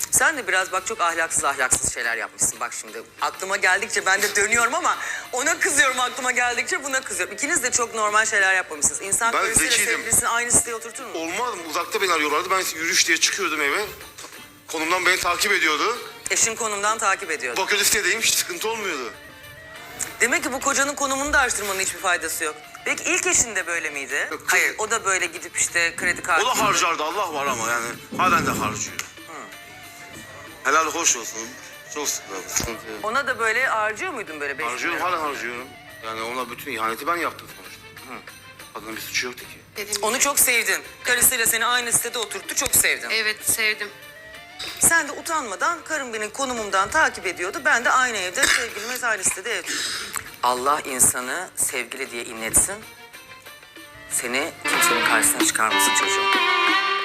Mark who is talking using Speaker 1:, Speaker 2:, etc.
Speaker 1: Sen de biraz bak çok ahlaksız şeyler yapmışsın. Bak şimdi aklıma geldikçe ben de dönüyorum ama ona kızıyorum, aklıma geldikçe buna kızıyorum. İkiniz de çok normal şeyler yapmamışsınız. İnsan
Speaker 2: Ben
Speaker 1: karısıyla
Speaker 2: zekiydim.
Speaker 1: sevgilisini aynı siteye oturtur mu?
Speaker 2: Olmaz mı? Uzakta beni arıyorlardı. Ben yürüyüş diye çıkıyordum eve. Konumdan beni takip ediyordu.
Speaker 1: Eşin konumdan takip ediyordu.
Speaker 2: Bakıyordu sitedeyim, hiç sıkıntı olmuyordu.
Speaker 1: Demek ki bu kocanın konumunu da araştırmanın hiçbir faydası yok. Peki ilk eşin de böyle miydi?
Speaker 2: Yok,
Speaker 1: Hayır, o da böyle gidip işte kredi kartı...
Speaker 2: O da harcardı, Allah var ama yani halen de harcıyor. Helal hoş olsun. Çok sıkıntı yok.
Speaker 1: Ona da böyle harcıyor muydun böyle 5
Speaker 2: Harcıyorum, hala harcıyorum. Yani ona bütün ihaneti ben yaptım sonuçta. Kadının bir suçu yoktu ki.
Speaker 3: Dedim.
Speaker 1: Onu çok sevdin. Karısıyla seni aynı sitede oturttu, çok sevdin.
Speaker 3: Evet, sevdim.
Speaker 1: Sen de utanmadan karım beni konumumdan takip ediyordu. Ben de aynı evde sevgilimiz aynı sitede ev tuttum. Allah insanı sevgili diye inletsin. Seni kimsenin karşısına çıkarmasın çocuğum.